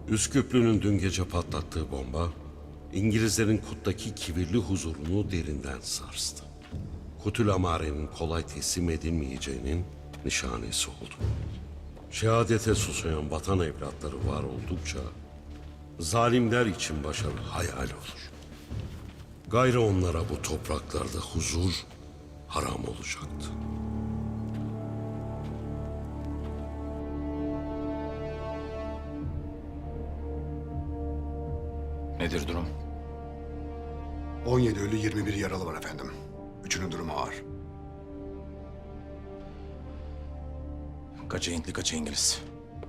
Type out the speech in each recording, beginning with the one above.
Üsküplü'nün dün gece patlattığı bomba, İngilizlerin Kut'taki kibirli huzurunu derinden sarstı. Kutül Amare'nin kolay teslim edilmeyeceğinin nişanesi oldu. Şehadete susayan vatan evlatları var oldukça, zalimler için başarı hayal olur. Gayrı onlara bu topraklarda huzur haram olacaktı. Nedir durum? 17 ölü 21 yaralı var efendim. Üçünün durumu ağır. Kaçı Hintli, kaçı İngiliz?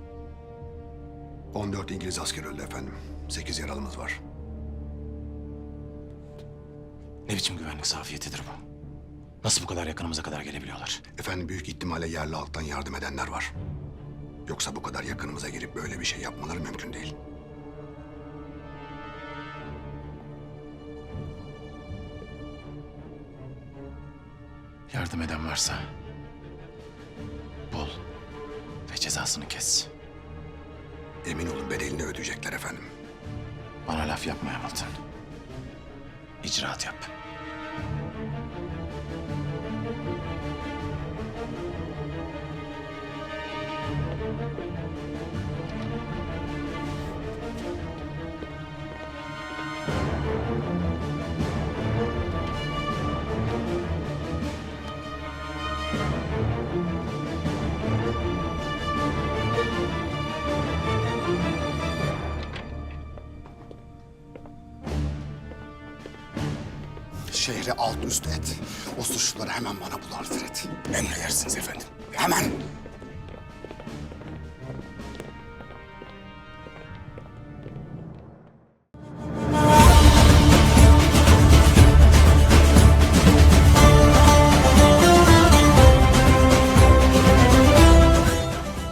14 İngiliz asker öldü efendim. 8 yaralımız var. Ne biçim güvenlik zafiyetidir bu? Nasıl bu kadar yakınımıza kadar gelebiliyorlar? Efendim büyük ihtimalle yerli halktan yardım edenler var. Yoksa bu kadar yakınımıza girip böyle bir şey yapmaları mümkün değil. Yardım eden varsa bul ve cezasını kes. Emin olun bedelini ödeyecekler efendim. Bana laf yapma Hamilton. İcraat yap. Şehri alt üst et. O suçluları hemen bana bulardır et. Emredersiniz efendim. Hemen.